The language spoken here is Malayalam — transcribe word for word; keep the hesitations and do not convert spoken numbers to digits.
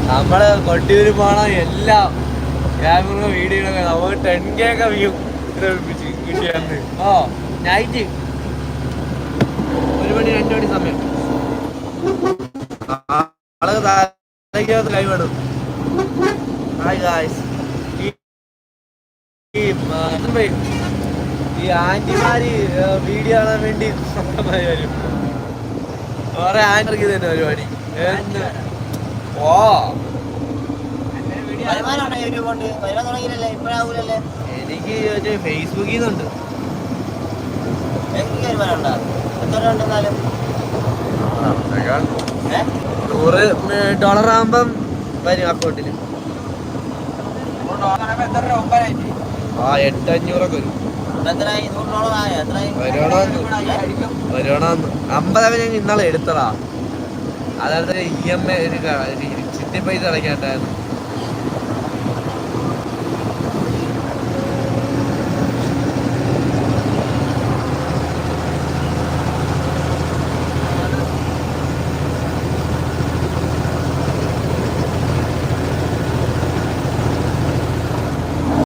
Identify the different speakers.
Speaker 1: നമ്മള് കൊട്ടിയൂര് പോണ എല്ലാം ക്യാമറ വീഡിയോ നമുക്ക് ടെൻ കെ ഒക്കെ വ്യൂ കിട്ടിയാന്ന്. ഓ നൈറ്റ് ഒരു മണി രണ്ടു മണി സമയം ആള് താഴേക്കകത്ത് കൈവിടും. Hi guys. ഈ ആന്റിമാര് വീഡിയോ കാണാൻ വേണ്ടി സ്വന്തമായി വരും. വേറെ ആന്റിക്ക് തന്നെ പരിപാടി. ഓ എനിക്ക് ഫേസ്ബുക്കിൽ നിന്നുണ്ട്. നൂറ് ഡോളർ ആകുമ്പം വരും അക്കൗണ്ടില്. ആ എട്ട് അഞ്ഞൂറൊക്കെ വരും. വരുവാണോന്ന് അമ്പത് ഞാൻ ഇന്നാളെ എടുത്തതാ. അതായത് ഇ എം ഐ ചിട്ടി പൈസ അടയ്ക്കാണ്ടായിരുന്നു.